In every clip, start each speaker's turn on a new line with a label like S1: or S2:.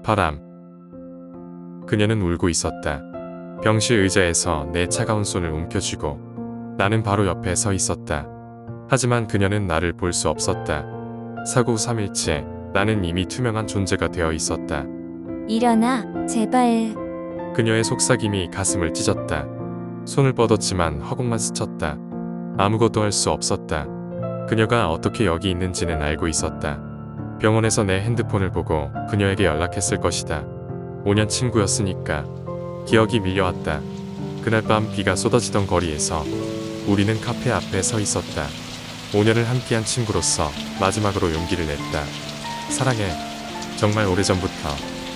S1: 바람. 그녀는 울고 있었다. 병실 의자에서 내 차가운 손을 움켜쥐고 나는 바로 옆에 서 있었다. 하지만 그녀는 나를 볼 수 없었다. 사고 후 3일째 나는 이미 투명한 존재가 되어 있었다.
S2: 일어나, 제발.
S1: 그녀의 속삭임이 가슴을 찢었다. 손을 뻗었지만 허공만 스쳤다. 아무것도 할 수 없었다. 그녀가 어떻게 여기 있는지는 알고 있었다. 병원에서 내 핸드폰을 보고 그녀에게 연락했을 것이다. 5년 친구였으니까. 기억이 밀려왔다. 그날 밤 비가 쏟아지던 거리에서 우리는 카페 앞에 서 있었다. 5년을 함께한 친구로서 마지막으로 용기를 냈다. 사랑해. 정말 오래전부터.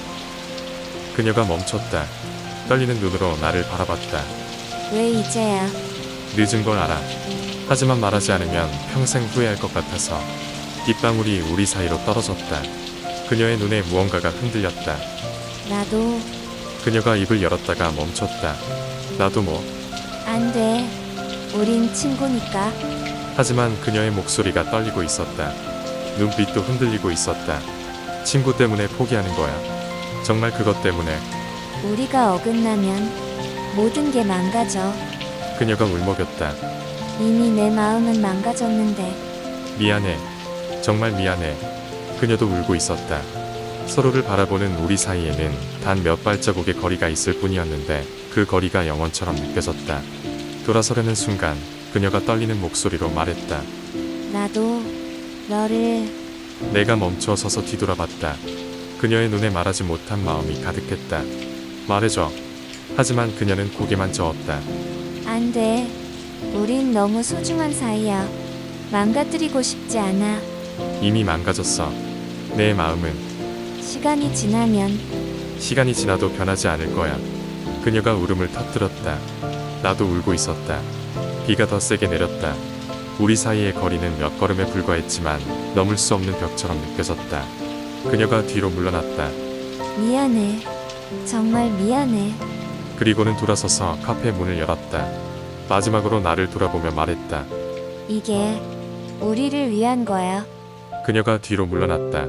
S1: 그녀가 멈췄다. 떨리는 눈으로 나를 바라봤다.
S2: 왜 이제야?
S1: 늦은 걸 알아. 하지만 말하지 않으면 평생 후회할 것 같아서. 빗방울이 우리 사이로 떨어졌다. 그녀의 눈에 무언가가 흔들렸다.
S2: 나도.
S1: 그녀가 입을 열었다가 멈췄다. 나도 뭐.
S2: 안 돼. 우린 친구니까.
S1: 하지만 그녀의 목소리가 떨리고 있었다. 눈빛도 흔들리고 있었다. 친구 때문에 포기하는 거야. 정말 그것 때문에.
S2: 우리가 어긋나면 모든 게 망가져.
S1: 그녀가 울먹였다.
S2: 이미 내 마음은 망가졌는데.
S1: 미안해. 정말 미안해. 그녀도 울고 있었다. 서로를 바라보는 우리 사이에는 단 몇 발자국의 거리가 있을 뿐이었는데 그 거리가 영원처럼 느껴졌다. 돌아서려는 순간 그녀가 떨리는 목소리로 말했다.
S2: 나도 너를.
S1: 내가 멈춰 서서 뒤돌아봤다. 그녀의 눈에 말하지 못한 마음이 가득했다. 말해줘. 하지만 그녀는 고개만 저었다.
S2: 안 돼. 우린 너무 소중한 사이야. 망가뜨리고 싶지 않아.
S1: 이미 망가졌어. 내 마음은.
S2: 시간이 지나면.
S1: 시간이 지나도 변하지 않을 거야. 그녀가 울음을 터뜨렸다. 나도 울고 있었다. 비가 더 세게 내렸다. 우리 사이의 거리는 몇 걸음에 불과했지만 넘을 수 없는 벽처럼 느껴졌다. 그녀가 뒤로 물러났다.
S2: 미안해. 정말 미안해.
S1: 그리고는 돌아서서 카페 문을 열었다. 마지막으로 나를 돌아보며 말했다.
S2: 이게 우리를 위한 거야.
S1: 그녀가 뒤로 물러났다.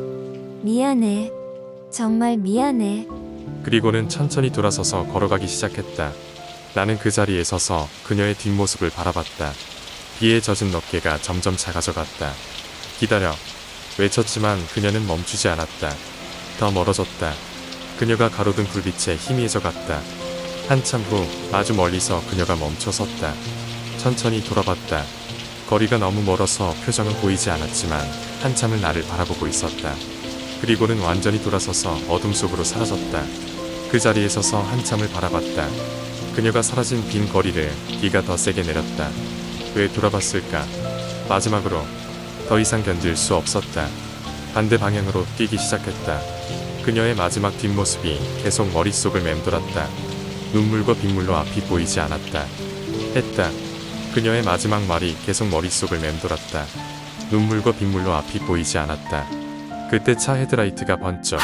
S2: 미안해. 정말 미안해.
S1: 그리고는 천천히 돌아서서 걸어가기 시작했다. 나는 그 자리에 서서 그녀의 뒷모습을 바라봤다. 비에 젖은 어깨가 점점 작아져갔다. 기다려. 외쳤지만 그녀는 멈추지 않았다. 더 멀어졌다. 그녀가 가로등 불빛에 희미해져 갔다. 한참 후 아주 멀리서 그녀가 멈춰 섰다. 천천히 돌아봤다. 거리가 너무 멀어서 표정은 보이지 않았지만 한참을 나를 바라보고 있었다. 그리고는 완전히 돌아서서 어둠 속으로 사라졌다. 그 자리에 서서 한참을 바라봤다. 그녀가 사라진 빈 거리를 비가 더 세게 내렸다. 왜 돌아봤을까? 마지막으로 더 이상 견딜 수 없었다. 반대 방향으로 뛰기 시작했다. 그녀의 마지막 뒷모습이 계속 머릿속을 맴돌았다. 눈물과 빗물로 앞이 보이지 않았다. 했다. 그녀의 마지막 말이 계속 머릿속을 맴돌았다. 눈물과 빗물로 앞이 보이지 않았다. 그때 차 헤드라이트가 번쩍.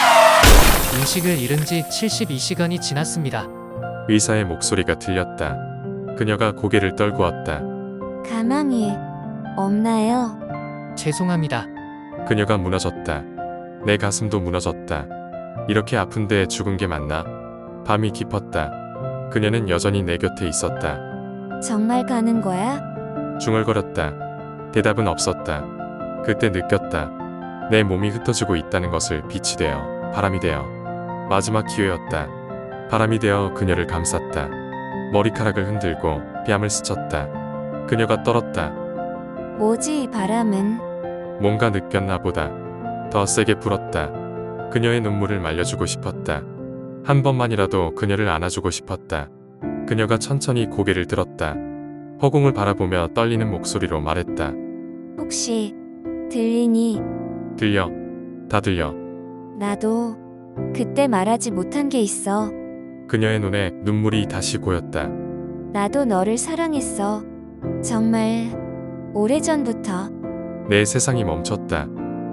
S3: 인식을 잃은 지 72시간이 지났습니다.
S1: 의사의 목소리가 들렸다. 그녀가 고개를 떨구었다.
S2: 가망이 없나요?
S3: 죄송합니다.
S1: 그녀가 무너졌다. 내 가슴도 무너졌다. 이렇게 아픈데 죽은 게 맞나? 밤이 깊었다. 그녀는 여전히 내 곁에 있었다.
S2: 정말 가는 거야?
S1: 중얼거렸다. 대답은 없었다. 그때 느꼈다. 내 몸이 흩어지고 있다는 것을 빛이 되어, 바람이 되어. 마지막 기회였다. 바람이 되어 그녀를 감쌌다. 머리카락을 흔들고 뺨을 스쳤다. 그녀가 떨었다.
S2: 뭐지 이 바람은?
S1: 뭔가 느꼈나 보다. 더 세게 불었다. 그녀의 눈물을 말려주고 싶었다. 한 번만이라도 그녀를 안아주고 싶었다. 그녀가 천천히 고개를 들었다. 허공을 바라보며 떨리는 목소리로 말했다.
S2: 혹시 들리니?
S1: 들려. 다 들려.
S2: 나도 그때 말하지 못한 게 있어.
S1: 그녀의 눈에 눈물이 다시 고였다.
S2: 나도 너를 사랑했어. 정말 오래전부터.
S1: 내 세상이 멈췄다.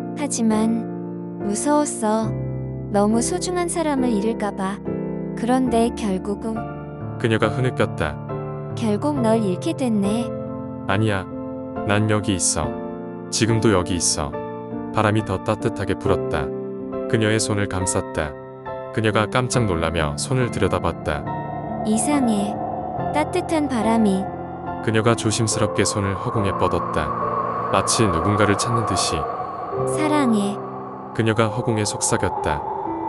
S2: 하지만 무서웠어. 너무 소중한 사람을 잃을까봐. 그런데 결국
S1: 그녀가 흐느꼈다.
S2: 결국 널 잃게 됐네.
S1: 아니야. 난 여기 있어. 지금도 여기 있어. 바람이 더 따뜻하게 불었다. 그녀의 손을 감쌌다. 그녀가 깜짝 놀라며 손을 들여다봤다.
S2: 이상해. 따뜻한 바람이.
S1: 그녀가 조심스럽게 손을 허공에 뻗었다. 마치 누군가를 찾는 듯이.
S2: 사랑해.
S1: 그녀가 허공에 속삭였다.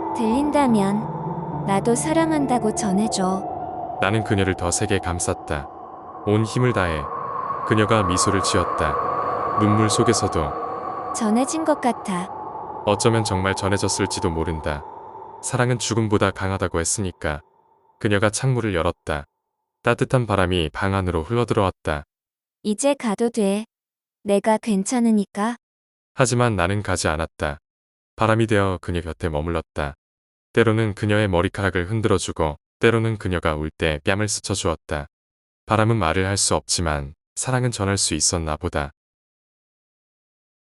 S2: 들린다면 나도 사랑한다고 전해줘.
S1: 나는 그녀를 더 세게 감쌌다. 온 힘을 다해. 그녀가 미소를 지었다. 눈물 속에서도
S2: 전해진 것 같아.
S1: 어쩌면 정말 전해졌을지도 모른다. 사랑은 죽음보다 강하다고 했으니까. 그녀가 창문을 열었다. 따뜻한 바람이 방 안으로 흘러들어왔다.
S2: 이제 가도 돼. 내가 괜찮으니까.
S1: 하지만 나는 가지 않았다. 바람이 되어 그녀 곁에 머물렀다. 때로는 그녀의 머리카락을 흔들어주고 때로는 그녀가 울 때 뺨을 스쳐주었다. 바람은 말을 할 수 없지만 사랑은 전할 수 있었나 보다.